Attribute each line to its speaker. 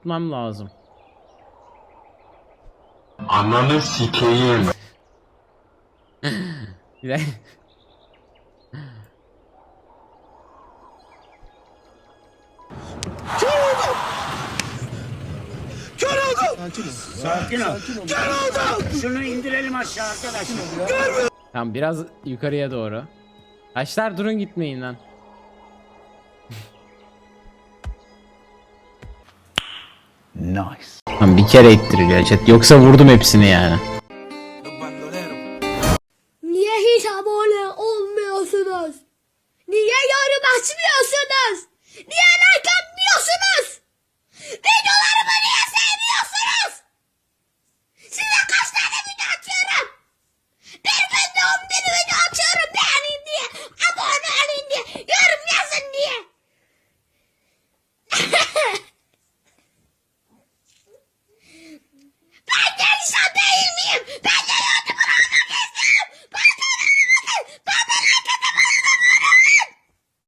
Speaker 1: tutmam lazım.
Speaker 2: Ananı sikeyim.
Speaker 1: Bir dakika.
Speaker 3: Sakin ol. Şunu indirelim aşağı arkadaşlar.
Speaker 1: Tamam, biraz yukarıya doğru. Taşlar durun, gitmeyin lan.
Speaker 4: Nice.
Speaker 1: Tamam, bir kere ittiriliyor chat. Yoksa vurdum hepsini yani.